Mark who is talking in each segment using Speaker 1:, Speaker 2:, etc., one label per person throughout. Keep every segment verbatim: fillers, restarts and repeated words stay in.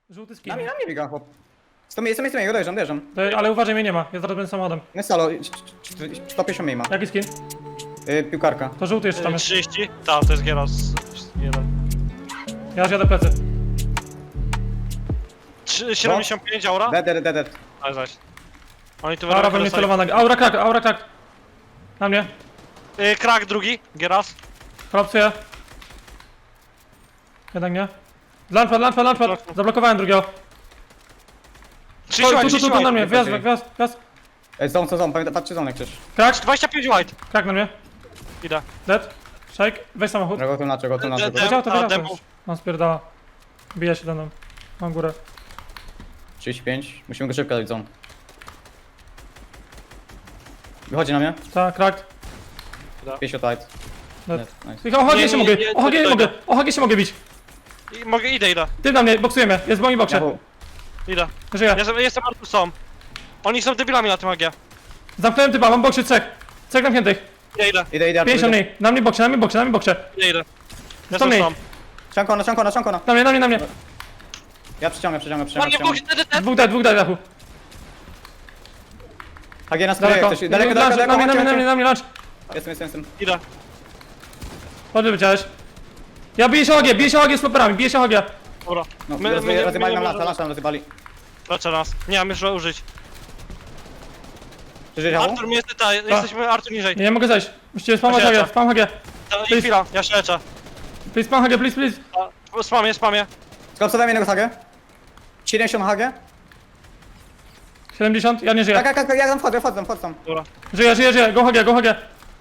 Speaker 1: Żółty skin.
Speaker 2: Na mnie, na mnie biega chłop. sto miejsca, miejsca, miejsca, dojeżdżam, dojeżdżam.
Speaker 1: To, ale uważaj, mnie nie ma. Ja zaraz będę samochodem.
Speaker 2: Nie salo, sto pięćdziesiąt mniej ma.
Speaker 1: Jaki skin?
Speaker 2: Yy, piłkarka.
Speaker 1: To żółty jeszcze tam jest.
Speaker 3: trzydzieści? Tak, to jest Gieros jeden.
Speaker 1: Ja już jadę plecy.
Speaker 3: Trzy- siedemdziesiąt pięć aura?
Speaker 2: Dead, dead, dead, dead.
Speaker 3: Ale zaś. Oni tu
Speaker 1: Aura we mnie
Speaker 3: dostali-
Speaker 1: celowana. Aura krak, aura krak. Na mnie.
Speaker 3: Y, Krak drugi, Gieras.
Speaker 1: Kolapsuję. Jednak nie. Launchpad, launchpad, launchpad. Zablokowałem drugiego. Tu,
Speaker 3: trzydzieści
Speaker 1: tu, tu, tu, tu na mnie.
Speaker 2: white.
Speaker 1: Wjazd, wjazd, wjazd.
Speaker 2: Ej, zone, co zone, pamiętaj, patrzcie zone jak chcesz.
Speaker 1: Krak,
Speaker 3: dwadzieścia pięć white.
Speaker 1: krak na mnie.
Speaker 3: Idę.
Speaker 1: Dead. Shake, weź samochód.
Speaker 2: Go tu naczę, go tu naczę.
Speaker 3: Dead,
Speaker 1: Wiedział to,
Speaker 3: a,
Speaker 1: wiedział to
Speaker 3: demo.
Speaker 1: już. On spierdala. Bije się do mną. Mam górę.
Speaker 2: trzydzieści pięć. Musimy go szybko dać zone. Wychodzi na mnie.
Speaker 1: Ta, krak.
Speaker 2: pięćdziesiąt light.
Speaker 1: Dead.
Speaker 2: Dead, nice.
Speaker 1: Tylko O H G
Speaker 3: Nie,
Speaker 1: się
Speaker 3: nie,
Speaker 1: mogę,
Speaker 3: nie,
Speaker 1: O H G
Speaker 3: to-
Speaker 1: mogę, O H G się mogę bić.
Speaker 3: I mogę, idę, idę.
Speaker 1: Ty na mnie, boksujemy. Jest w moim boksie.
Speaker 2: Jachu,
Speaker 3: Idę.
Speaker 1: Żyję.
Speaker 3: Jestem, jestem Artusą. Oni są debilami na tym A G.
Speaker 1: Zamknąłem typa, mam w boksie trzech. Trzech zamkniętych.
Speaker 3: Idę, idę,
Speaker 2: idę, idę.
Speaker 1: pięćdziesiąt mniej. Na mnie boksie, na mnie boksie, na mnie boksie.
Speaker 3: idę, idę.
Speaker 1: sto
Speaker 3: Jestem
Speaker 1: mniej.
Speaker 3: sam.
Speaker 2: Ciankona, ciankona, ciankona.
Speaker 1: Na mnie, na mnie, na mnie.
Speaker 2: Ja przyciągam, przyciągam,
Speaker 3: Na
Speaker 2: przyciągam.
Speaker 3: mnie
Speaker 2: przyciągam.
Speaker 3: Bóg, dead, dead.
Speaker 1: Dwóch daj, dwóch daj, Dachu.
Speaker 2: H G na sprawie,
Speaker 1: Daleko.
Speaker 2: ktoś. Daleko,
Speaker 1: Lunch,
Speaker 2: daleko,
Speaker 1: na mnie, na mnie, na
Speaker 2: daleko.
Speaker 1: mnie, na mnie, lunch.
Speaker 2: Jestem, jestem, jestem.
Speaker 3: Idę.
Speaker 1: Chodź, wyciąłeś. Ja biję się O H G, biję się O H G z floperami, biję się O H G.
Speaker 3: Dobra.
Speaker 2: No,
Speaker 3: My-
Speaker 2: roz-
Speaker 3: my-
Speaker 2: rozjebali
Speaker 3: my-
Speaker 2: nam
Speaker 3: my-
Speaker 2: lata, lata nam rozjebali.
Speaker 3: Leczę nas. Nie mam już użyć.
Speaker 2: Przeżyj, Jachu?
Speaker 3: Artur, my jest tutaj, jesteśmy Artur niżej.
Speaker 1: Nie, nie mogę zejść. Musicie spamać
Speaker 3: Ja
Speaker 1: H G,
Speaker 3: cię.
Speaker 1: spam H G.
Speaker 3: Ta- I chwila, ja się leczę.
Speaker 1: Please, spam H G, please, please.
Speaker 3: A, Spamię, spamię.
Speaker 2: Skolapsowałem jednego H G. siedemdziesiąt H G.
Speaker 1: siedemdziesiąt, ja nie
Speaker 2: Tak,
Speaker 1: żyję.
Speaker 2: tak, tak, ja tam wchodzę, wchodzę, wchodzę tam.
Speaker 3: Dobra.
Speaker 1: Żyję, żyję, żyję. Go H G, go H G.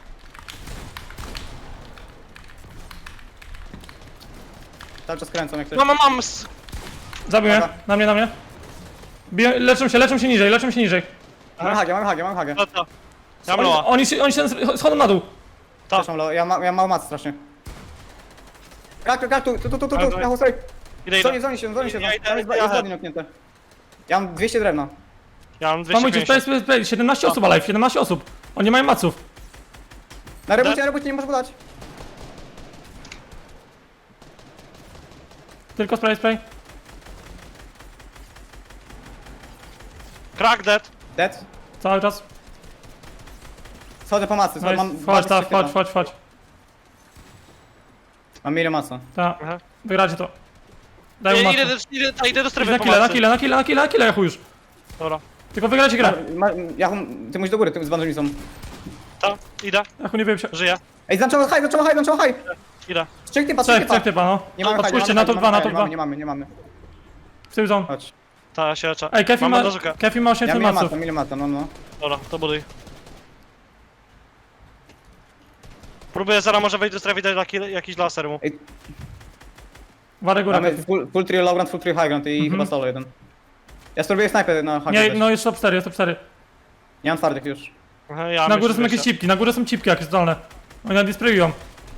Speaker 2: Cały czas kręcą jak ktoś.
Speaker 3: Mam, mam, mam. s-
Speaker 1: Zabił mnie,
Speaker 2: Dobra.
Speaker 1: na mnie, na mnie. Biję, leczą się, leczą się niżej, leczą się niżej.
Speaker 2: Mam H G, mam H G, mam H G.
Speaker 3: Leczę. Ja mam
Speaker 1: Oni,
Speaker 3: loa.
Speaker 1: oni się, oni się schodzą na dół.
Speaker 3: Tak.
Speaker 2: Też mam low, ja mam, ja mam mało mat strasznie. Krak, krak, tu, tu, tu, tu, tu,
Speaker 3: Ale
Speaker 2: tu,
Speaker 3: to-
Speaker 2: Jachu, sorry.
Speaker 3: Idę,
Speaker 2: Zoni,
Speaker 3: idę.
Speaker 2: zoni się, zoni się,
Speaker 3: Ja idę,
Speaker 2: tam jest,
Speaker 3: ja
Speaker 2: jest
Speaker 3: idę.
Speaker 2: body knocknięte. Ja mam dwieście drewna.
Speaker 3: Ja mam dwieście
Speaker 1: Spamujcie, play,
Speaker 3: pięćdziesiąt.
Speaker 1: play, play. siedemnaście osób alive, siedemnaście osób. Oni nie mają maców.
Speaker 2: Na rebocie, na rebocie nie możesz podać.
Speaker 1: Tylko spray, spray.
Speaker 3: Crack dead.
Speaker 2: Dead.
Speaker 1: Cały czas.
Speaker 2: Schodzę po masy,
Speaker 1: Nice.
Speaker 2: mam
Speaker 1: Chodź,
Speaker 2: dwa
Speaker 1: tak,
Speaker 2: tysiące
Speaker 1: chodź, chodź, chodź.
Speaker 2: Mam milion masa.
Speaker 1: Tak,
Speaker 3: Aha.
Speaker 1: wygracie to. Daj mu
Speaker 3: Ja
Speaker 1: macę.
Speaker 3: idę, do- idę, ta, idę do
Speaker 1: Idź
Speaker 3: strefy
Speaker 1: na killa, na
Speaker 3: pomocy.
Speaker 1: killa, na killa, na killa, na killa, Jachu już.
Speaker 3: Dobra.
Speaker 1: Tylko wygracie grę.
Speaker 2: Ma, Jachu, ty musisz do góry, ty z bandymi są.
Speaker 3: Ta, idę.
Speaker 1: Jachu nie wiem się.
Speaker 3: Żyję.
Speaker 2: Ej, zaczęło high, zaczęło high, zaczęło high.
Speaker 3: Idę.
Speaker 2: Trzech typa, trzech
Speaker 1: Trzech,
Speaker 2: typa.
Speaker 1: trzech typa, no.
Speaker 2: Nie mamy high,
Speaker 1: Odpuśćcie,
Speaker 2: nie
Speaker 1: na
Speaker 2: mamy
Speaker 1: to
Speaker 2: high,
Speaker 1: dwa, na
Speaker 2: nie
Speaker 1: to
Speaker 2: mamy,
Speaker 1: dwa.
Speaker 2: Nie mamy, nie mamy.
Speaker 1: W tył zone.
Speaker 2: Chodź.
Speaker 3: Ta, ja się leczę.
Speaker 1: Ej, Kefi
Speaker 3: Mam
Speaker 1: ma,
Speaker 3: bandażykę.
Speaker 1: Kefi ma
Speaker 2: Ja
Speaker 1: osiemset
Speaker 2: milion
Speaker 1: maców.
Speaker 2: masa, milion masa, no no.
Speaker 3: Dobra, to buduj. Próbuję, zaraz może wejść do strefy i dać taki, jakiś laser mu.
Speaker 2: Ej,
Speaker 1: Warę górę.
Speaker 2: mamy full, full trio low ground, full trio high ground i
Speaker 1: Mhm.
Speaker 2: chyba solo jeden. Ja spróbuję snajpę na high
Speaker 1: Nie,
Speaker 2: ground.
Speaker 1: no jest top cztery, jest top cztery.
Speaker 2: Nie mam twardych już.
Speaker 3: Aha, ja
Speaker 1: Na
Speaker 3: myślę,
Speaker 1: górze są
Speaker 3: że
Speaker 1: jakieś
Speaker 3: się-
Speaker 1: cipki, na górze są cipki jakieś zdolne. Oni na disprayują.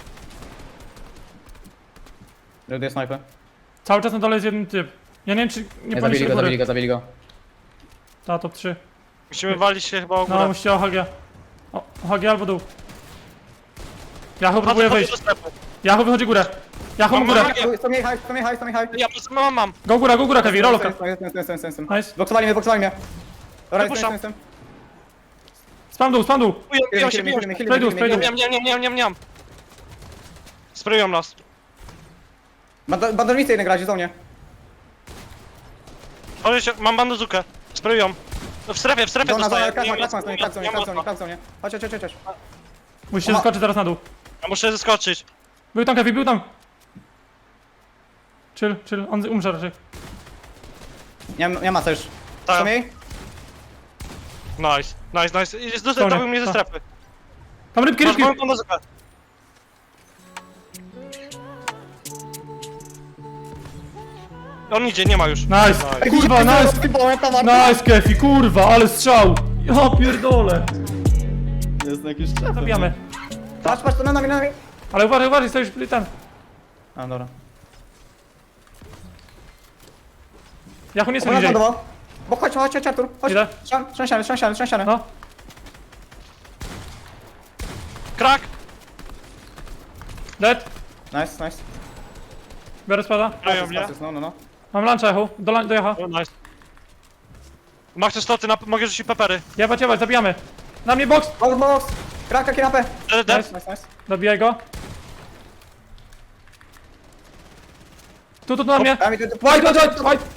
Speaker 2: Reduję snajpę.
Speaker 1: Cały czas na dole jest jeden typ. Ja nie wiem czy nie
Speaker 2: Nie, zabili
Speaker 1: powinniście
Speaker 2: go, zabili
Speaker 1: góry.
Speaker 2: go, zabili go.
Speaker 1: Ta, top trzy.
Speaker 3: Musimy walić się chyba o
Speaker 1: No,
Speaker 3: górę.
Speaker 1: musicie O H G. O, O H G albo dół. Jachu
Speaker 3: Chodzę-
Speaker 1: próbuje
Speaker 3: chodzę
Speaker 1: wyjść.
Speaker 3: do strefy.
Speaker 1: Jachu wychodzi górę. Jachu
Speaker 3: Mam-
Speaker 1: górę.
Speaker 3: mam-
Speaker 2: Tu- Sto mniej high, sto mniej high, sto mniej high.
Speaker 3: Ja po prostu mam, mam.
Speaker 1: Go góra, go góra, Kevi, rolka.
Speaker 2: Jestem, jestem, jestem, jestem, jestem.
Speaker 1: Nice.
Speaker 2: Boksowali mnie, boksowali mnie. Dobra,
Speaker 3: Wypuszczam.
Speaker 2: jestem, jestem.
Speaker 1: Spam dół, spam dół.
Speaker 3: Biją, biją się,
Speaker 2: Chwilę,
Speaker 3: biją
Speaker 2: chwilę,
Speaker 3: się.
Speaker 2: chwilę,
Speaker 1: Spray dół,
Speaker 2: chwilę,
Speaker 1: spray
Speaker 2: chwilę.
Speaker 1: dół.
Speaker 3: Niam, niam, niam, niam, niam. Sprayują nas.
Speaker 2: Banda- Bandażnicy jeden grać w zonie.
Speaker 3: Chodź się, mam bandazukę. Sprayują. No w strefie, w strefie
Speaker 2: Zona, zona,
Speaker 3: dostaję.
Speaker 2: krak,
Speaker 3: Nie,
Speaker 2: krak, krak,
Speaker 3: nie,
Speaker 2: krak, zonie,
Speaker 3: nie
Speaker 2: krak, zonie,
Speaker 3: mocno.
Speaker 2: krak, zonie. Chodź, chodź, chodź, chodź.
Speaker 1: Musicie
Speaker 2: Oma-
Speaker 1: skoczyć teraz na dół.
Speaker 3: Ja muszę zeskoczyć.
Speaker 1: Był tam Kevi, był tam. Chill, chill, on umrze raczej.
Speaker 2: Nie, nie ma co już.
Speaker 3: Tak.
Speaker 2: Sto mniej?
Speaker 3: Nice, nice, nice. Jest
Speaker 1: Dobra,
Speaker 3: dostawił mnie ze
Speaker 1: tak.
Speaker 3: strefy.
Speaker 1: Tam rybki,
Speaker 3: Masz
Speaker 1: rybki.
Speaker 3: moją bandazukę. On idzie, nie ma już.
Speaker 1: Nice. Kurwa, nice. Nice, Kefi, kurwa, ale strzał. Ja pierdolę.
Speaker 2: Jest jakiś czas.
Speaker 1: Zabijamy.
Speaker 2: Patrz, patrz, to na nami, na nami.
Speaker 1: Ale uważaj, uważaj, stoisz ten.
Speaker 2: A, dobra.
Speaker 1: Jachu nie są
Speaker 2: Obraz
Speaker 1: niżej.
Speaker 2: lądował. Bo chodź, chodź, chodź, Artur. Chodź.
Speaker 1: Idę.
Speaker 2: Trzęsiany, trzęsiany, trzęsiany, trzęsiany.
Speaker 1: No.
Speaker 3: Krak!
Speaker 1: Dead.
Speaker 2: Nice, nice.
Speaker 1: Biorę spada.
Speaker 3: Sprają mnie.
Speaker 2: No, no, no.
Speaker 1: Mam luncha, Jachu. Do, lan- do Jacha.
Speaker 3: O, nice. Masz te sloty, na... mogę rzucić pepery.
Speaker 1: Jebać, jebać, zabijamy. Na mnie box!
Speaker 2: Box, box! Kraka, kierapę!
Speaker 3: Dead, dead.
Speaker 2: Nice, nice, nice.
Speaker 1: Dobijaj go. Tu, tu, tu na mnie.
Speaker 2: A mi to- to-
Speaker 1: White, white, white, white.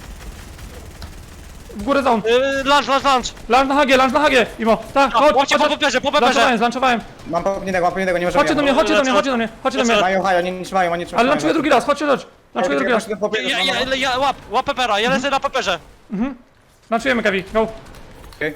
Speaker 1: W górę zone.
Speaker 3: Yy, lunch, lunch, lunch.
Speaker 1: Lunch na hagie, lunch na hagie. Imo, tak,
Speaker 3: A,
Speaker 1: chodź,
Speaker 3: Chodźcie
Speaker 1: chodź,
Speaker 3: po
Speaker 1: chodź.
Speaker 3: peperze, po
Speaker 1: Zlanczowałem,
Speaker 3: peperze.
Speaker 1: zlanczowałem.
Speaker 2: Mam popniętego, mam popniętego, nie możemy
Speaker 1: Chodźcie do mnie,
Speaker 2: jechać.
Speaker 1: chodźcie do mnie, chodźcie do mnie, chodźcie do mnie.
Speaker 2: Mają haja, nie, nie trzymają, oni nie trzymają.
Speaker 1: Ale lunchuję drugi raz, chodźcie, chodź. Lunchuję drugi raz.
Speaker 3: Ja, ja, ja, ja, łap, łap pepera, ja lecę na peperze.
Speaker 1: Lunchujemy, Kevi, go.
Speaker 2: Okej.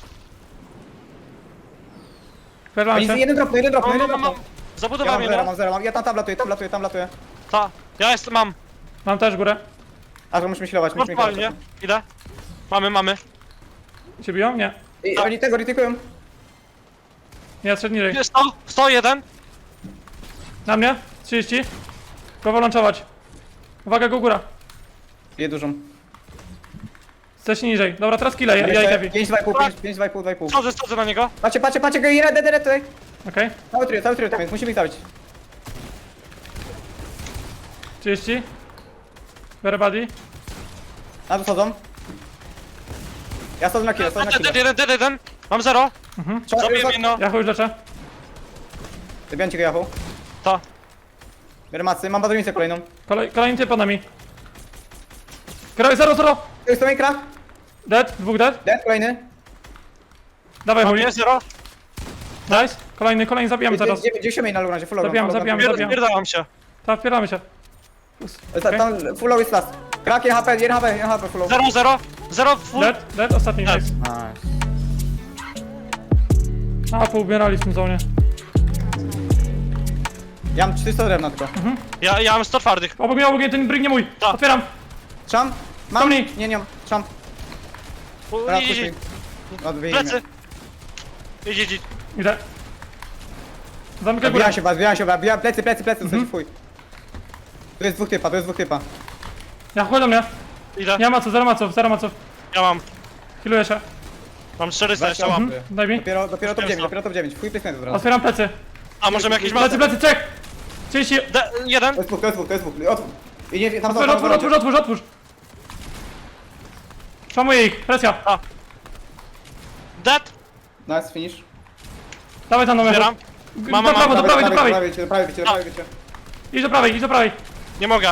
Speaker 1: Perlamy
Speaker 2: Oni
Speaker 1: się.
Speaker 2: jeden drop, jeden drop,
Speaker 3: Mam,
Speaker 2: jeden
Speaker 3: mam,
Speaker 2: drop.
Speaker 3: mam.
Speaker 2: Ja
Speaker 3: Zabudowałem
Speaker 2: mam zero,
Speaker 3: jedno.
Speaker 2: mam zero, mam- ja tam, tam latuję, tam latuję, tam latuję.
Speaker 3: Ta. Ja jest, mam.
Speaker 1: Mam też górę.
Speaker 2: A to musimy healować, musimy healować.
Speaker 3: Normalnie. Idę. Mamy, mamy.
Speaker 1: Cię biją? Nie.
Speaker 2: I oni tego retykują.
Speaker 1: Nie, szedł niżej.
Speaker 3: sto, sto jeden.
Speaker 1: Na mnie. trzydzieści. Próbował lunchować. Uwaga, go góra.
Speaker 2: Je dużą.
Speaker 1: Chcesz niżej. Dobra, teraz killa, ja, ja i Kevi.
Speaker 2: pięć, dwa i pół, pięć, pięć, dwa i pół, dwa i pół.
Speaker 3: Schodzę, schodzę na niego.
Speaker 2: Patrzcie, patrzcie, patrzcie, go jeden, jeden, tutaj.
Speaker 1: Okej.
Speaker 2: Cały trio, cały trio tam jest, musimy ich zabić.
Speaker 1: trzydzieści. Biorę buddy.
Speaker 2: Na to schodzą. Ja schodzę na kilo, schodzę na
Speaker 3: Dead,
Speaker 2: kilo.
Speaker 3: dead, jeden, dead, jeden. Mam zero. Zabiję jedno.
Speaker 1: Ja chuj leczę.
Speaker 2: Zabijam ci go, Jachu.
Speaker 3: Ta.
Speaker 2: Biorę macy, mam badownicę kolejną.
Speaker 1: Kolej, kolejny typ na mi. Kraj, zero, zero.
Speaker 2: To jest to main crack.
Speaker 1: Dead, dwóch dead.
Speaker 2: Dead, kolejny.
Speaker 1: Dawaj,
Speaker 3: Mam
Speaker 1: chuj.
Speaker 3: nie, zero.
Speaker 1: Nice. Kolejny, kolejny, zabijamy zaraz.
Speaker 2: Gdzie main na lurandzie, full low.
Speaker 1: Zabijam,
Speaker 2: full low,
Speaker 1: zabijam.
Speaker 2: full
Speaker 3: Pierdałam się.
Speaker 1: Tak, wpieramy się.
Speaker 2: low. Ta- Tam full low jest last. Crack, jeden H P, jeden H P, jeden H P full low.
Speaker 3: Zero, zero. Zero, full.
Speaker 1: Dead, dead, ostatni,
Speaker 3: Dead.
Speaker 1: nice.
Speaker 2: Nice.
Speaker 1: A, poubierali w tym zonie.
Speaker 2: Ja mam czterysta drewna tylko.
Speaker 3: Ja, ja mam sto twardych.
Speaker 1: Obok mnie, obok mnie, ten brig nie mój.
Speaker 3: Tak.
Speaker 1: Otwieram.
Speaker 2: Czam? Mam?
Speaker 1: Tomni.
Speaker 2: Nie, nie mam. Czam.
Speaker 3: U-
Speaker 2: Teraz
Speaker 3: idź, idź,
Speaker 2: puszczaj.
Speaker 3: idź.
Speaker 2: No, wyjmie.
Speaker 3: Plecy. Idź, idź, idź.
Speaker 1: Idę. Zamykaj górę.
Speaker 2: Wbijam się, was, wbijam się, was, wbijam plecy, plecy, plecy, mhm. fuj. Tu jest dwóch typa, tu jest dwóch typa.
Speaker 1: Ja chodź do mnie.
Speaker 3: Idę.
Speaker 1: Nie ma co, zero maców, zero maców.
Speaker 3: Ja mam.
Speaker 1: Healuję się.
Speaker 3: Mam czterysta jeszcze
Speaker 2: Weź,
Speaker 3: mam.
Speaker 2: mhm.
Speaker 1: Daj mi.
Speaker 2: Dopiero, dopiero top
Speaker 3: Puszczam
Speaker 2: dziewięć,
Speaker 3: sto.
Speaker 2: dopiero top dziewięć. Fuj placementu teraz.
Speaker 1: Otwieram plecy.
Speaker 3: A możemy jakieś
Speaker 1: Plecy,
Speaker 3: maty?
Speaker 1: plecy, czek. trzydzieści.
Speaker 3: De, jeden.
Speaker 2: To jest dwóch, to jest dwóch, to jest dwóch. Otwórz. I nie, tam
Speaker 1: Otwórz,
Speaker 2: tam-
Speaker 1: otwórz,
Speaker 2: tam-
Speaker 1: otwórz, otwórz, otwórz. Szamuję ich, presja.
Speaker 3: Dead.
Speaker 2: Nice, finish.
Speaker 1: Dawaj tam do mnie.
Speaker 3: Zbieram.
Speaker 1: Do
Speaker 3: Mam, mam,
Speaker 1: prawej, do prawej, do prawej.
Speaker 2: prawej, do prawej, do prawej, do prawej.
Speaker 1: Idź do prawej, idź do prawej.
Speaker 3: Nie mogę.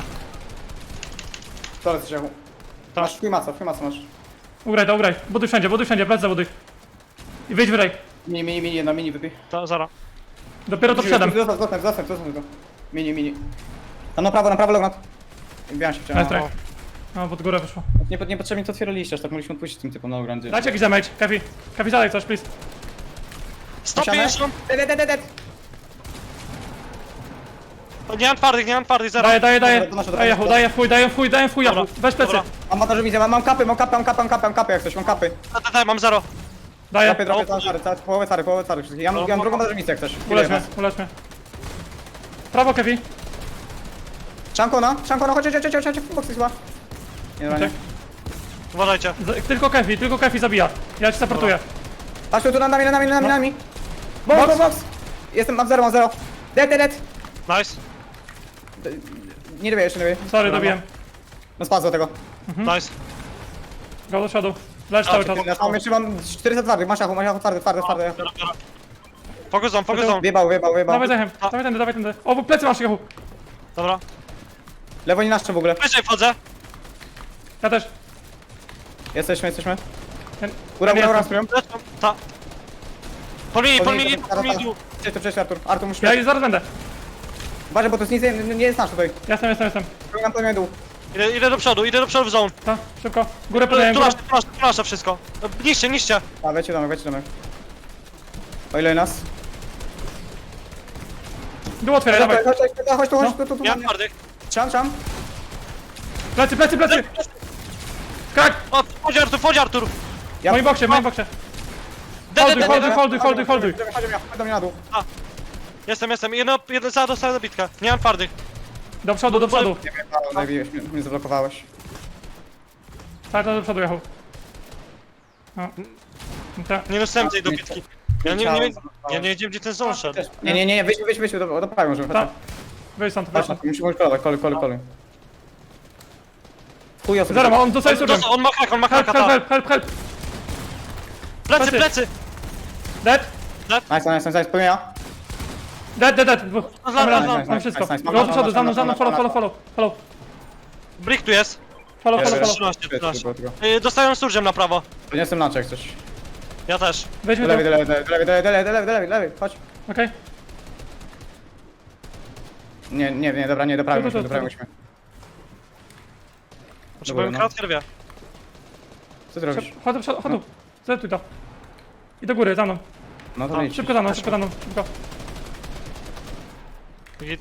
Speaker 2: To jest Jachu.
Speaker 3: Tak.
Speaker 2: Masz chuj maca, chuj maca masz.
Speaker 1: Ugraj to, ugraj. Buduj wszędzie, buduj wszędzie, plec zabuduj. I wyjdź wyraj.
Speaker 2: Mini, mini, mini, jedna mini wypij.
Speaker 3: To, zara.
Speaker 1: Dopiero to wszedłem.
Speaker 2: Zostaw, zostaw, zostaw, zostaw go. Mini, mini. Tam na prawo, na prawo lognat. Wbijam się w ciało.
Speaker 1: Nice try. No, pod górę wyszło.
Speaker 2: Nie, niepotrzebnie to otwieraliście, aż tak mogliśmy odpuścić tym typom na lograndzie.
Speaker 1: Dajcie jakiś damage, Kefi. Kefi, zadaj coś, please.
Speaker 3: sto pięćdziesiąt.
Speaker 2: Dead, dead, dead, dead.
Speaker 3: Nie mam twardych, nie mam twardych, zero.
Speaker 1: Daję, daję, daję.
Speaker 2: Dobra, to nasze,
Speaker 1: Daję
Speaker 2: dobra.
Speaker 1: chuj, daję chuj, daję chuj, daję chuj,
Speaker 3: Dobra,
Speaker 1: jachu. Weź plecy.
Speaker 3: dobra.
Speaker 2: Mam montażu widzę, mam, mam kapy, mam kapy, mam kapy, mam kapy, mam kapy jak coś, mam kapy.
Speaker 3: Dead, dead, mam zero.
Speaker 1: Daję.
Speaker 2: Kapy, dropię, całe czary, całe, połowę cary, połowę cary wszystkich. Ja mam, ja mam drugą montażowicę jak coś.
Speaker 1: Ulecz mnie, ulecz mnie. Prawo, Kefi.
Speaker 2: Szankona, szankona, chodź, chodź, chodź, chodź, chodź, box chyba. Nie, dobra, nie.
Speaker 1: Czek.
Speaker 3: Uważajcie.
Speaker 1: Z- Tylko Kefi, tylko Kefi zabija. Ja cię supportuję.
Speaker 2: Patrz tu, tu, nad nami, nad nami, nad nami, nad nami. Box,
Speaker 1: Box.
Speaker 2: box, box. Jestem, mam zero, mam zero. Dead, dead, dead.
Speaker 3: Nice.
Speaker 2: Nie dobiję, jeszcze nie dobiję.
Speaker 1: Sorry, dobiłem.
Speaker 2: No spadł tego.
Speaker 3: Nice.
Speaker 1: Go do przodu. Lecz cały czas.
Speaker 2: Ja mam jeszcze mam czterysta twardych, masz jachu, masz jachu, twardy, twardy, twardy.
Speaker 3: Biorę, biorę. Focus on, focus on.
Speaker 2: Wjebał, wjebał, wjebał.
Speaker 1: Dawaj zachem, dawaj tędy, dawaj tędy. O, plecy masz, jachu.
Speaker 3: Dobra.
Speaker 2: Lewo nie nasze w ogóle.
Speaker 3: Wyżej wchodzę.
Speaker 1: Ja też.
Speaker 2: Jesteśmy, jesteśmy.
Speaker 1: Ten-
Speaker 2: Góra,
Speaker 1: ten
Speaker 2: góra, góra,
Speaker 1: jestem.
Speaker 2: spróbuję.
Speaker 3: Lecą. Ta. Pomili, pomili, pomili.
Speaker 2: Cześć, to przecież Artur. Artur, musisz...
Speaker 1: Ja już zaraz będę.
Speaker 2: Uważaj, bo to jest nic, nie, nie jest nasz tutaj.
Speaker 1: Jestem, jestem, jestem.
Speaker 2: Próbuję nam to dół.
Speaker 3: Idę, idę do przodu, idę do przodu w zone.
Speaker 1: Ta, szybko. Górę
Speaker 3: Tu
Speaker 1: podaję, górę.
Speaker 3: nasze, tu nasze, tu nasze wszystko. Niszcie, niszcie.
Speaker 2: A, wejdźcie domek, wejdźcie domek. O ile nas?
Speaker 1: Dół otwieraj,
Speaker 2: Chodź,
Speaker 1: dawaj.
Speaker 2: chodź, chodź, chodź, tu, chodź, tu, tu, tu.
Speaker 3: Nie mam twardych.
Speaker 2: Czam, czam.
Speaker 1: Plecy, plecy, plecy. Skak!
Speaker 3: O, chodź Artur, chodź Artur.
Speaker 1: W moim boksie, w moim boksie.
Speaker 3: Dead,
Speaker 1: Holduj,
Speaker 3: dead,
Speaker 1: holduj,
Speaker 3: dead.
Speaker 1: holduj, holduj, holduj.
Speaker 2: Chodź do mnie, chodź do mnie na dół.
Speaker 3: Jestem, jestem. Jedno, jedno, za dostałem zabitkę. Nie mam twardych.
Speaker 1: Do przodu, do przodu.
Speaker 2: Nie wiem, zabiłeś mnie, mnie zablokowałeś.
Speaker 1: Tak, do przodu, Jachu. No. Tak.
Speaker 3: Nie dostałem tej dobitki. Ja nie, nie, ja nie wiedziałem gdzie ten zone szedł.
Speaker 2: Nie, nie, nie, wyjdź, wyjdź, wyjdź, do, do prawej możemy,
Speaker 1: Tak.
Speaker 2: chodź.
Speaker 1: Wyjdź stąd, wyjdź
Speaker 2: Chodź,
Speaker 1: stąd.
Speaker 2: musimy kolować, koluj, koluj, koluj. Chuj osób.
Speaker 1: Zero, on dostaje surgem.
Speaker 3: On ma hak, on ma
Speaker 1: Help,
Speaker 3: haka,
Speaker 1: help,
Speaker 3: ta.
Speaker 1: help, help, help.
Speaker 3: Plecy,
Speaker 1: plecy.
Speaker 3: plecy!
Speaker 1: Dead.
Speaker 2: Nice, nice, nice, nice, pełnia.
Speaker 1: Dead, dead, dead. Dwóch.
Speaker 3: No,
Speaker 1: Mamy
Speaker 3: no,
Speaker 1: raz,
Speaker 3: no,
Speaker 1: mamy
Speaker 2: nice,
Speaker 1: wszystko.
Speaker 2: nice, nice.
Speaker 1: Go do przodu,
Speaker 2: Masz,
Speaker 1: za mną,
Speaker 2: masz,
Speaker 1: za mną,
Speaker 2: masz,
Speaker 1: follow,
Speaker 2: masz,
Speaker 1: follow, follow. Follow,
Speaker 3: Brick tu jest.
Speaker 1: follow,
Speaker 2: Jest,
Speaker 1: follow,
Speaker 2: jest.
Speaker 1: follow.
Speaker 3: trzynaście,
Speaker 2: Tylko,
Speaker 3: trzynaście.
Speaker 2: tylko, tylko.
Speaker 3: Y, Dostają surgem na prawo.
Speaker 2: Podniosłem lunch jak coś.
Speaker 3: Ja też.
Speaker 1: Weźmy
Speaker 2: Do
Speaker 1: to.
Speaker 2: lewej, do lewej, do lewej, do lewej, do lewej, do lewej, do lewej, do lewej, chodź.
Speaker 1: Okej.
Speaker 2: Nie, nie, nie, dobra, nie, do prawej
Speaker 1: Tu, tu,
Speaker 2: musimy, do
Speaker 1: tu,
Speaker 2: prawej
Speaker 1: tu.
Speaker 2: musimy.
Speaker 3: Potrzebujemy
Speaker 2: no.
Speaker 3: kratkę, rwie.
Speaker 2: Co ty robisz?
Speaker 1: Chodź do przodu, chodź tu. Zetuj to. I do góry, za mną.
Speaker 2: No to
Speaker 3: A,
Speaker 2: idź.
Speaker 1: Szybko za mną, szybko za mną. Szybko.
Speaker 3: Git.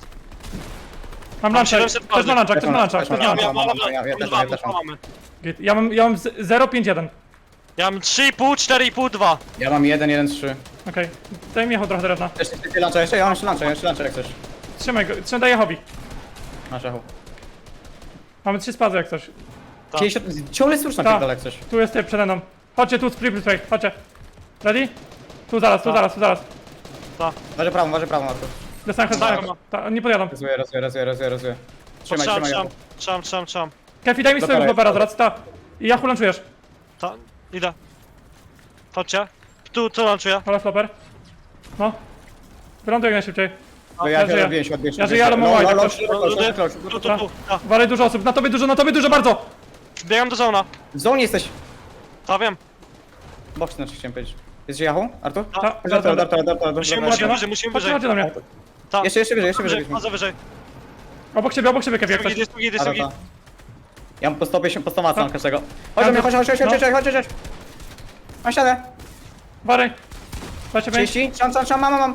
Speaker 1: Mam
Speaker 3: Mam
Speaker 1: luncha.
Speaker 3: siedemset
Speaker 1: Ktoś ma luncha, ktoś ma luncha,
Speaker 2: Też
Speaker 1: ktoś
Speaker 2: mam,
Speaker 1: ma
Speaker 2: też
Speaker 1: luncha.
Speaker 2: mam. ja- ja- ja też mam, ja też mam.
Speaker 3: mamy.
Speaker 1: Git. Ja mam, ja mam z- zero pięć jeden.
Speaker 3: Ja mam trzy i pół, cztery i pół, dwa.
Speaker 2: Ja mam jeden, jeden, trzy.
Speaker 1: Okej. Daj mi trochę drewna.
Speaker 2: Jeszcze, jeszcze luncha, jeszcze, ja mam jeszcze luncha, jeszcze luncha jak coś.
Speaker 1: Trzymaj go, trzymaj daję hobby.
Speaker 2: Masz echo.
Speaker 1: Mamy trzy spazy jak coś.
Speaker 3: Tak.
Speaker 2: Ciągle słuszna
Speaker 1: Tak.
Speaker 2: pierdolę jak coś.
Speaker 1: Tu jest typ przede mną. Chodźcie tu, spray, spray, chodźcie. Ready? Tu zaraz, tu
Speaker 3: Tak.
Speaker 1: zaraz, tu zaraz.
Speaker 2: Waży prawą, waży prawą, Artur.
Speaker 1: Dostałem
Speaker 3: Tak,
Speaker 1: headback.
Speaker 3: ma.
Speaker 1: Ta, nie podjadą.
Speaker 2: Rozumiem, rozumiem, rozumiem, rozumiem, rozumiem. Trzymaj,
Speaker 3: Trzymam,
Speaker 2: trzymaj.
Speaker 3: trzymam, trzymam, trzymam, trzymam.
Speaker 1: Kefi, daj mi swojego
Speaker 2: Dobra,
Speaker 1: globera
Speaker 2: jest.
Speaker 1: zaraz, ta. I ja hulanczujesz.
Speaker 3: Ta, idę. Chodźcie. Tu, tu lanczuję.
Speaker 1: Ale flopper. No. Wyląduj jak najszybciej.
Speaker 2: Bo
Speaker 1: ja
Speaker 2: ja
Speaker 1: żyję.
Speaker 2: się odbiję się, odbiję się.
Speaker 1: Ja żyję, ale mam
Speaker 2: No,
Speaker 1: white,
Speaker 2: no,
Speaker 1: jak
Speaker 2: no,
Speaker 1: ktoś-
Speaker 2: no, no,
Speaker 3: Ludy,
Speaker 2: no,
Speaker 3: tu,
Speaker 2: no,
Speaker 3: tu,
Speaker 1: Ta.
Speaker 3: tu. Ta.
Speaker 1: Walej dużo osób, na tobie dużo, na tobie dużo bardzo!
Speaker 3: Biegam do zona.
Speaker 2: W zonie jesteś.
Speaker 3: Ta, wiem.
Speaker 2: Box znaczy chciałem powiedzieć. Jest Yahoo, Artur?
Speaker 1: Ta,
Speaker 2: Darto,
Speaker 1: zaraz, zaraz.
Speaker 2: darto, darto, darto.
Speaker 3: Musimy,
Speaker 2: dobra,
Speaker 3: musimy
Speaker 2: dobra.
Speaker 3: wyżej, musimy
Speaker 1: Chodźcie,
Speaker 3: wyżej.
Speaker 1: chodźcie do mnie.
Speaker 3: Ta.
Speaker 2: Jeszcze, jeszcze wyżej, jeszcze
Speaker 3: Wyżej,
Speaker 2: wyżej.
Speaker 3: chodzę wyżej.
Speaker 1: Obok siebie, obok siebie Kefi, jak
Speaker 3: Jest
Speaker 1: coś.
Speaker 3: git, jest git, jest
Speaker 2: Dobra,
Speaker 3: git.
Speaker 2: ta. Ja mam po sto pięćdziesiąt, po sto macam
Speaker 1: Tak.
Speaker 2: każdego. Chodź do mnie, chodź, chodź, chodź, chodź,
Speaker 1: No.
Speaker 2: chodź, chodź, chodź. Mam ścianę.
Speaker 1: Wary. Dajcie pięć.
Speaker 2: trzydzieści, trzam, trzam, trzam, mam, mam, mam.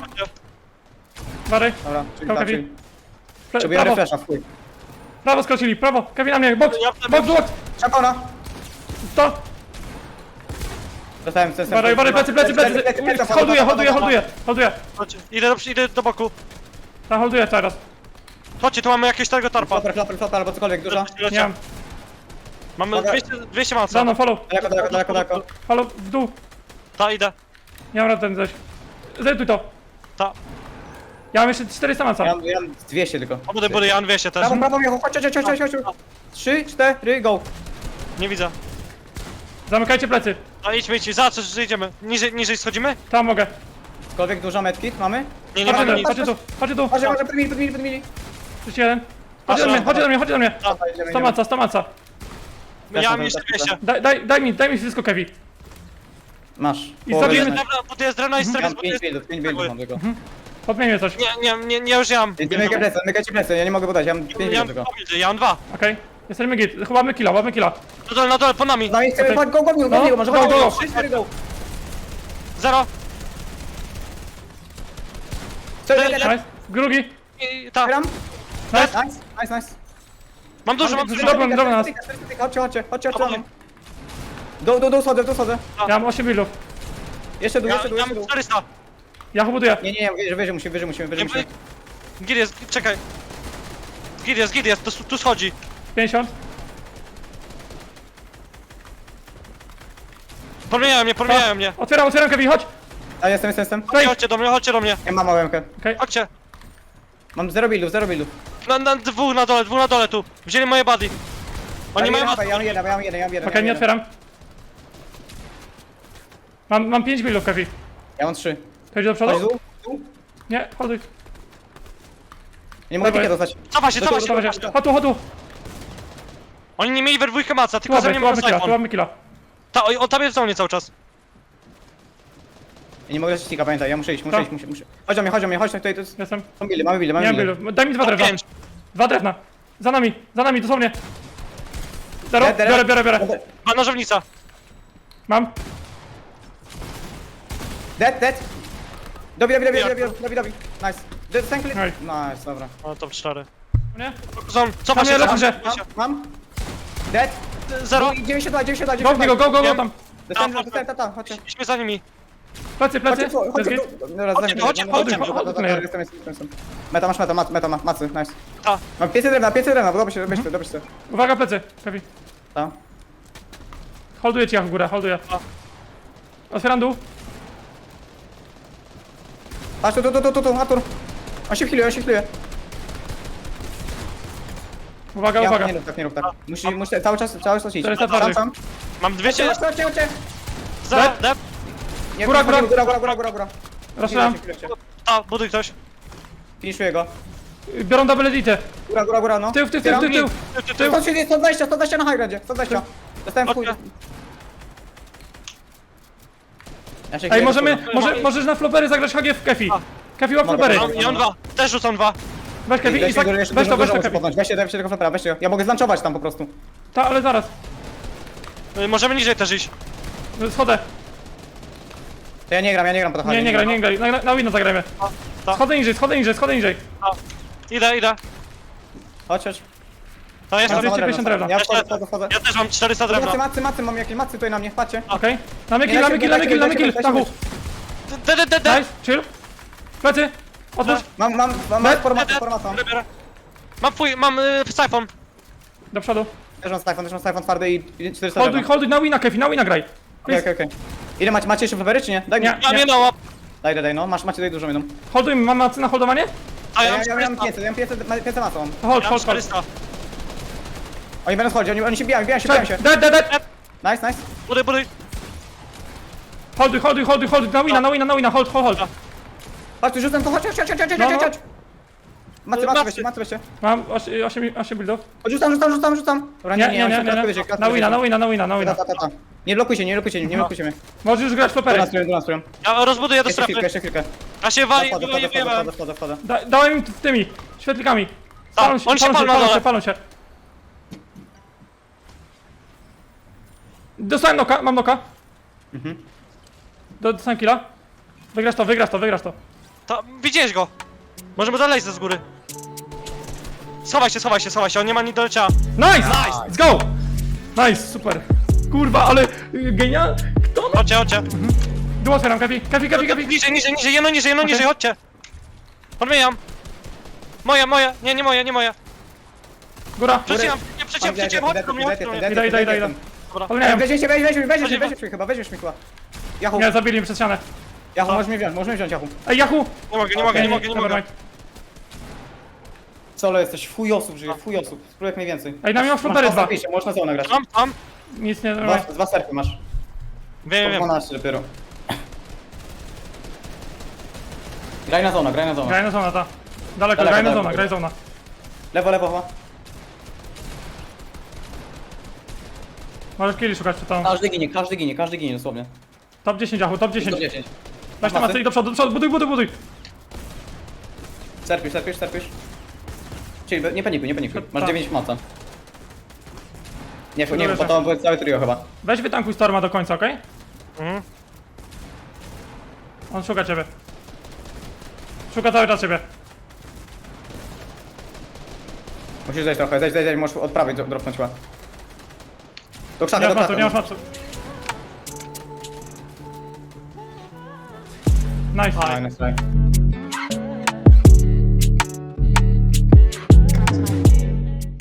Speaker 1: Wary.
Speaker 2: Dobra, czyli
Speaker 1: Go,
Speaker 2: tak,
Speaker 1: Kevi.
Speaker 2: czyli...
Speaker 1: Pre-
Speaker 2: Potrzebuję
Speaker 1: Prawo,
Speaker 2: refresha, w chuj.
Speaker 1: prawo skrócili, prawo. Kefi na mnie, box,
Speaker 3: Ja-
Speaker 1: box, box.
Speaker 2: Czapona.
Speaker 1: To.
Speaker 2: Dostałem, dostałem.
Speaker 1: Wary, wary, plecy, plecy, plecy. Holduję, holduję, holduję, holduję.
Speaker 3: Chodźcie, idę do, idę do boku.
Speaker 1: Ta, holduję teraz.
Speaker 3: Chodźcie, tu mamy jakiegoś tego tarpa.
Speaker 2: Flopper, flopper, flopper, albo cokolwiek, dużo.
Speaker 3: Lecie, lecie.
Speaker 1: Nie mam.
Speaker 3: Mamy
Speaker 2: Mogę-
Speaker 3: dwieście, dwieście
Speaker 1: Za
Speaker 3: manca.
Speaker 1: mną, follow.
Speaker 2: Daleko, daleko, daleko, daleko.
Speaker 1: Follow, w dół.
Speaker 3: Ta, idę.
Speaker 1: Nie mam rady ten coś. Zetuj to.
Speaker 3: Ta.
Speaker 1: Ja mam jeszcze czterysta
Speaker 2: Ja
Speaker 1: manca.
Speaker 2: mam, ja mam dwieście tylko.
Speaker 3: O, budy, budy, ja mam dwieście też.
Speaker 2: Prawo, prawo, Michu, chodź, chodź, chodź, chodź, chodź, chodź. Trzy, cztery, go.
Speaker 3: Nie widzę.
Speaker 1: Zamykajcie plecy.
Speaker 3: A idźmy, idźmy, za co, że idziemy? Niżej, niżej schodzimy?
Speaker 1: Tam mogę.
Speaker 2: Cokolwiek dużo medkit mamy?
Speaker 3: Nie, nie mamy
Speaker 1: Chodźcie tu,
Speaker 3: nic.
Speaker 1: chodźcie tu, chodźcie tu.
Speaker 2: Chodź, chodź, podmili, podmili, podmili.
Speaker 1: trzydzieści jeden. Chodźcie do mnie, chodźcie do mnie, chodźcie do mnie.
Speaker 2: Dobra, idziemy,
Speaker 1: sto
Speaker 2: idziemy.
Speaker 1: maca, sto maca.
Speaker 3: Ja mam jeszcze dwieście.
Speaker 1: Daj, daj, daj mi, daj mi wszystko Kevi.
Speaker 2: Masz.
Speaker 1: I
Speaker 2: Połowę
Speaker 1: zrobimy-
Speaker 2: drewna.
Speaker 3: Drewna, bo to jest drewna i
Speaker 2: Ja
Speaker 3: stres,
Speaker 2: mam
Speaker 3: bo to
Speaker 2: pięć
Speaker 3: jest...
Speaker 2: buildów, pięć buildów mam tylko.
Speaker 1: Podmienię coś.
Speaker 3: Nie, nie, nie, nie, już ja mam.
Speaker 2: Mykaj plecy, mykajcie plecy, ja nie mogę podać, ja mam pięć
Speaker 3: Ja
Speaker 2: buildów
Speaker 3: mam
Speaker 2: tylko.
Speaker 3: dwa buildy, ja mam dwa.
Speaker 1: Okej. Jesteśmy git. Chowamy killa, łapmy killa.
Speaker 3: Na dole, na dole, po nami.
Speaker 2: No i chcemy,
Speaker 1: Okej.
Speaker 2: chodź, go, go, go,
Speaker 1: No,
Speaker 2: go, go, może
Speaker 1: go,
Speaker 2: chodź,
Speaker 1: go,
Speaker 2: go,
Speaker 1: go.
Speaker 2: trzy, cztery, go.
Speaker 3: Zero.
Speaker 2: Cztery,
Speaker 3: Cztery,
Speaker 2: jeden,
Speaker 1: Nice. Drugi.
Speaker 3: I ta.
Speaker 2: Gram.
Speaker 1: Nice.
Speaker 2: Nice, nice, nice.
Speaker 3: Mam dużo, mam
Speaker 1: Dobra,
Speaker 3: dużo.
Speaker 1: dobra, dobra, nas.
Speaker 2: Chodźcie, chodźcie, chodźcie, chodźcie. Do, do, do, schodzę, do, schodzę.
Speaker 1: Ja mam osiem buildów.
Speaker 2: Jeszcze dół,
Speaker 3: Ja,
Speaker 2: jeszcze dół,
Speaker 3: ja
Speaker 2: jeszcze
Speaker 3: mam
Speaker 2: dół.
Speaker 3: czterysta.
Speaker 1: Ja go buduję.
Speaker 2: Nie, nie, nie, wyżej, wyżej musimy, wyżej musimy, wyżej
Speaker 3: Nie,
Speaker 2: musimy.
Speaker 3: Gid jest, czekaj. Gid jest, gid jest, tu, tu schodzi.
Speaker 1: pięćdziesiąt.
Speaker 3: Podmieniają mnie, podmieniają mnie.
Speaker 1: Otwieram, otwieram Kevi, chodź.
Speaker 2: A, jestem, jestem, jestem.
Speaker 3: Chodźcie, chodźcie do mnie, chodźcie do mnie.
Speaker 2: Ja mam małemkę.
Speaker 1: Okej.
Speaker 3: Chodźcie.
Speaker 2: Mam zero buildów, zero buildów.
Speaker 3: Na, na dwóch na dole, dwóch na dole tu. Wzięli moje buddy. Oni
Speaker 2: Ja
Speaker 3: mają...
Speaker 2: mam jeden, ja mam jeden, ja mam jeden, ja mam jeden.
Speaker 1: Okej, nie
Speaker 2: ja mam jeden.
Speaker 1: otwieram. Mam, mam pięć buildów Kevi.
Speaker 2: Ja mam trzy.
Speaker 1: To idzie do
Speaker 2: Chodź,
Speaker 1: przodu?
Speaker 2: dół, dół.
Speaker 1: Nie, holduj.
Speaker 2: Nie mogę
Speaker 1: Dawaj.
Speaker 2: pikę dostać.
Speaker 3: Cofa się, cofa się.
Speaker 1: Dobra, się. Chodź tu, chodź tu.
Speaker 3: Oni nie mieli we dwójkę maca,
Speaker 1: Tu
Speaker 3: tylko za
Speaker 1: łapmy,
Speaker 3: mnie
Speaker 1: tu
Speaker 3: mają
Speaker 1: łapmy killa, tu
Speaker 3: iPhone.
Speaker 1: łapmy killa.
Speaker 3: Ta, o- on tam jest w zonie cały czas.
Speaker 2: Ja nie mogę dostać tika, pamiętaj, ja muszę iść, muszę
Speaker 1: Tak.
Speaker 2: iść, muszę, muszę. Chodź do mnie, chodź do mnie, chodź tutaj, to jest...
Speaker 1: Jestem.
Speaker 2: Są buildy, mamy buildy,
Speaker 1: Nie
Speaker 2: mamy
Speaker 1: mam
Speaker 2: buildy.
Speaker 1: buildów. Daj mi dwa
Speaker 3: Top
Speaker 1: drewna.
Speaker 3: pięć.
Speaker 1: Dwa drewna. Za nami, za nami, dosłownie. Zero,
Speaker 2: Dead, dead.
Speaker 1: biorę, biorę, biorę.
Speaker 3: Ma nożownica.
Speaker 1: Mam.
Speaker 2: Dead, dead. Dobi, dobi, dobi,
Speaker 3: Jak?
Speaker 2: dobi, dobi, dobi. Nice. Dead, thank you.
Speaker 1: Nice.
Speaker 2: Nice, dobra.
Speaker 3: O, top cztery.
Speaker 1: Nie?
Speaker 3: Zon, cofa
Speaker 1: Tam
Speaker 3: się,
Speaker 1: ja
Speaker 3: cofa
Speaker 1: lecę.
Speaker 3: się.
Speaker 2: Mam, mam. Dead.
Speaker 3: Zero.
Speaker 2: dziewięćdziesiąt dwa, dziewięćdziesiąt dwa,
Speaker 1: Go w niego, go, go, go tam.
Speaker 2: Dostałem,
Speaker 3: Tam,
Speaker 2: dostałem, tata, chodźcie.
Speaker 3: Idźmy za nimi.
Speaker 1: Plecy, plecy.
Speaker 2: Chodźcie, chodźcie,
Speaker 1: Plecy.
Speaker 2: chodźcie. Dobra,
Speaker 3: Chodźcie,
Speaker 2: zdejmę,
Speaker 3: chodźcie,
Speaker 2: zdejmę,
Speaker 3: chodźcie,
Speaker 2: zdejmę,
Speaker 1: chodźcie.
Speaker 2: dobra, dobra, jestem, jestem, jestem. Meta, masz meta, mat, meta, ma- macy, nice.
Speaker 3: Ta.
Speaker 2: Mam pięćset drewna, pięćset drewna, dobrze się, dobrze się, dobrze się.
Speaker 1: Uwaga, plecy. Kevi.
Speaker 2: Ta.
Speaker 1: Holduję ci jak w górę, holduję.
Speaker 3: A.
Speaker 1: Otwieram dół.
Speaker 2: Patrz, tu, tu, tu, tu, tu, Artur. On się healuje, on się healuje.
Speaker 1: Uwaga,
Speaker 2: Ja,
Speaker 1: uwaga.
Speaker 2: nie rób tak, nie rób tak. Musi, musi cały czas, cały czas iść.
Speaker 1: czterysta twardych.
Speaker 2: Sam,
Speaker 3: Mam dwieście...
Speaker 2: Chodźcie, chodźcie, chodźcie.
Speaker 3: Za,
Speaker 1: Dead.
Speaker 3: dead.
Speaker 2: Nie,
Speaker 1: Góra,
Speaker 2: góra,
Speaker 1: góra.
Speaker 2: góra, góra, góra, góra, góra.
Speaker 1: Raszam.
Speaker 3: A, buduj ktoś.
Speaker 2: Finiszuję go.
Speaker 1: Biorą double editę.
Speaker 2: Góra, góra, góra, no.
Speaker 1: Tył, tył, tył, tył, tył.
Speaker 3: Ty, ty, ty.
Speaker 2: sto trzydzieści, sto dwadzieścia, sto dwadzieścia na high groundzie, sto dwadzieścia. Dostałem w chuj.
Speaker 3: Okej.
Speaker 2: Ja się
Speaker 1: Ej,
Speaker 2: chwilę
Speaker 1: możemy,
Speaker 2: do
Speaker 1: może, możesz na flopery zagrać H G w Kefi.
Speaker 3: A.
Speaker 1: Kefi łap
Speaker 2: Mogę.
Speaker 1: flopery.
Speaker 3: Mam, ja mam dwa. Też rzucam dwa.
Speaker 1: Weź Kefi,
Speaker 2: Weź
Speaker 1: Izak,
Speaker 2: go, jeszcze
Speaker 1: weź
Speaker 2: dużo,
Speaker 1: to, weź
Speaker 2: dużo
Speaker 1: to
Speaker 2: muszę
Speaker 1: Kefi.
Speaker 2: podnąć. Weźcie, weźcie tego flopera, weźcie go. Ja mogę zlanczować tam po prostu.
Speaker 1: Ta, ale zaraz.
Speaker 3: Y, Możemy niżej też iść.
Speaker 1: Schodzę.
Speaker 2: To ja nie gram, ja nie gram po to
Speaker 1: Nie, nie graj, nie graj. Na, na, na wino zagrajmy.
Speaker 3: Ta.
Speaker 1: Schodzę niżej, schodzę niżej, schodzę niżej.
Speaker 3: A. Idę, idę.
Speaker 2: Chodź, chodź.
Speaker 3: No jestem.
Speaker 1: dwieście pięćdziesiąt drewna.
Speaker 2: Ja wchodzę, wchodzę, wchodzę.
Speaker 3: Ja też mam czterysta
Speaker 2: Macy,
Speaker 3: drewna.
Speaker 2: macy, macy, mam jakieś macy tutaj na mnie, patrzcie.
Speaker 1: Okej. Damy
Speaker 2: Nie,
Speaker 1: kill, damy
Speaker 2: dajcie,
Speaker 1: kill, damy
Speaker 2: dajcie,
Speaker 1: kill, damy
Speaker 2: dajcie,
Speaker 1: kill.
Speaker 2: dajcie,
Speaker 1: Tachu.
Speaker 3: De, de, de, de.
Speaker 1: Nice, chill. Plecy. Otwórz.
Speaker 2: Mam, mam, mam,
Speaker 1: Dead,
Speaker 2: mam formację, formację.
Speaker 3: Biorę. Mam twój, mam y, syfon.
Speaker 1: Do przodu.
Speaker 2: Też mam Stifon, też mam Stifon twardy i i czterysta
Speaker 1: Holduj,
Speaker 2: drewna.
Speaker 1: holduj na wina, Kefi, na wina graj.
Speaker 2: Okej,
Speaker 1: Please.
Speaker 2: okej, okej. Ile macie, macie jeszcze flopery czy nie? Daj mi.
Speaker 1: Nie.
Speaker 3: Ja nie no,
Speaker 2: Daj, daj, daj, no. Masz, macie tutaj dużo minut.
Speaker 1: Holduj, mam macy na holdowanie?
Speaker 3: a
Speaker 2: Ja,
Speaker 3: ja
Speaker 2: ja,
Speaker 3: mam
Speaker 2: ja mam
Speaker 3: czterysta.
Speaker 2: pięćset, ja mam pięćset, pięćset macą mam.
Speaker 1: Hold,
Speaker 3: Ja mam
Speaker 1: hold, hold.
Speaker 3: czterysta.
Speaker 2: Oni będą schodzić, oni, oni się bijają, bijają się, bijają się.
Speaker 1: Dead, dead, dead.
Speaker 2: Nice, nice.
Speaker 3: Buduj, buduj.
Speaker 1: Holduj, holduj, holduj, holduj. Na wina, na wina, na wina, hold, hold, hold.
Speaker 2: Chodź, tu rzucam to, chodź, chodź, chodź, chodź, chodź,
Speaker 1: No,
Speaker 2: chodź,
Speaker 1: no.
Speaker 2: chodź. Macy, macy weźcie, macy weźcie.
Speaker 1: Mam osiem buildów.
Speaker 2: Chodź, rzucam, rzucam, rzucam, rzucam. Dobra,
Speaker 1: Nie, nie, nie,
Speaker 2: on się
Speaker 1: nie,
Speaker 2: kratkuje
Speaker 1: nie.
Speaker 2: się, kratkuje
Speaker 1: Na wina,
Speaker 2: się.
Speaker 1: na wina, na wina, na
Speaker 2: Ta,
Speaker 1: wina.
Speaker 2: ta, ta, ta. Nie blokujcie, nie blokujcie, nie
Speaker 1: No.
Speaker 2: blokujcie mnie.
Speaker 1: Możesz już grać
Speaker 2: Do
Speaker 1: flopery.
Speaker 2: nas, do nas, do nas.
Speaker 3: Ja rozbuduję do
Speaker 2: Jeszcze chwilkę,
Speaker 3: strefy.
Speaker 2: jeszcze chwilkę.
Speaker 3: A się wali,
Speaker 2: Wchodzę,
Speaker 3: wali,
Speaker 2: wchodzę,
Speaker 3: wali.
Speaker 2: wchodzę, wchodzę, wchodzę.
Speaker 1: Da, dałem im tymi świetlikami. Palą się,
Speaker 3: oni się
Speaker 1: palą się,
Speaker 3: palą na
Speaker 1: palą
Speaker 3: dole.
Speaker 1: się, palą się. Dostałem noka, mam noka.
Speaker 2: Mhm.
Speaker 1: Do- Dostałem killa. Wygrasz to, wygrasz to, wygrasz to.
Speaker 3: To, widziałeś go. Możemy dalej ze z góry. Schowaj się, schowaj się, schowaj się, on nie ma nic do leciała.
Speaker 1: Nice! Nice! Let's go! Nice, super. Kurwa, ale y, genial. Kto no?
Speaker 3: Chodźcie, chodźcie.
Speaker 1: Dół otwieram, Kefi, Kefi, Kefi, Kefi.
Speaker 3: Niżej, niżej, niżej, jedno niżej, jedno
Speaker 1: Okej.
Speaker 3: niżej, chodźcie. Odmieniam. Moja, moja, nie, nie moja, nie moja.
Speaker 1: Góra.
Speaker 3: Przeciwam, nie przeciwam, przeciwam, chodź do mnie, chodź do mnie.
Speaker 1: Idę, idę, idę, idę.
Speaker 3: Dobra.
Speaker 1: Ale nie wiem.
Speaker 2: Weźmiesz się, weźmiesz mnie, weźmiesz mnie,
Speaker 3: Chodźmy.
Speaker 2: weźmiesz mnie chyba, weźmiesz mnie chyba. Jachu,
Speaker 1: Nie, zabili mnie przez ścianę.
Speaker 2: Jachu, możesz mnie wziąć, możesz mnie wziąć, Jachu.
Speaker 1: Ej, Yahoo!
Speaker 3: Nie mogę, nie mogę, nie mogę, nie mogę.
Speaker 1: Nevermind.
Speaker 2: Solo jesteś, w chuj osób żyje, w chuj osób. Spróbuj jak najwięcej.
Speaker 1: Ej, na mnie masz flopery dwa.
Speaker 2: Masz można zona grać.
Speaker 3: Mam, mam.
Speaker 1: Nic nie,
Speaker 2: Dwa,
Speaker 1: nevermind.
Speaker 2: dwa serfy masz.
Speaker 3: Wiem,
Speaker 2: Po
Speaker 3: wiem.
Speaker 2: dwanaście dopiero. Graj na zona, graj na zona.
Speaker 1: Graj na zona, ta. Daleko,
Speaker 2: Daleko,
Speaker 1: graj na
Speaker 2: daleko.
Speaker 1: zona, graj zona.
Speaker 2: Lewo, lewo, lewo.
Speaker 1: Możesz killi szukać przed tą.
Speaker 2: Każdy ginie, każdy ginie, każdy ginie dosłownie.
Speaker 1: Top dziesięć, Yahoo, top
Speaker 2: Do
Speaker 1: dziesięć.
Speaker 2: dziesięć.
Speaker 1: Weź te macy i do przodu, do przodu, buduj, buduj, buduj.
Speaker 2: Serpisz, serpisz, serpisz. Czyli nie panikuj, nie panikuj. Masz
Speaker 1: Tak.
Speaker 2: dziewięć maca. Nie, nie,
Speaker 1: Dobra,
Speaker 2: bo to było całe trio chyba.
Speaker 1: Weź wytankuj Storma do końca, okej?
Speaker 3: Mhm.
Speaker 1: On szuka ciebie. Szuka cały czas ciebie.
Speaker 2: Musisz zejść trochę, zejść, zejść, zejść, możesz od prawej dro- dropnąć chyba. Do
Speaker 1: Nie
Speaker 2: krzaka,
Speaker 1: masz
Speaker 2: do
Speaker 1: macu, nie masz
Speaker 2: krzaka.
Speaker 1: macu. Nice.
Speaker 2: Fajne, fajne.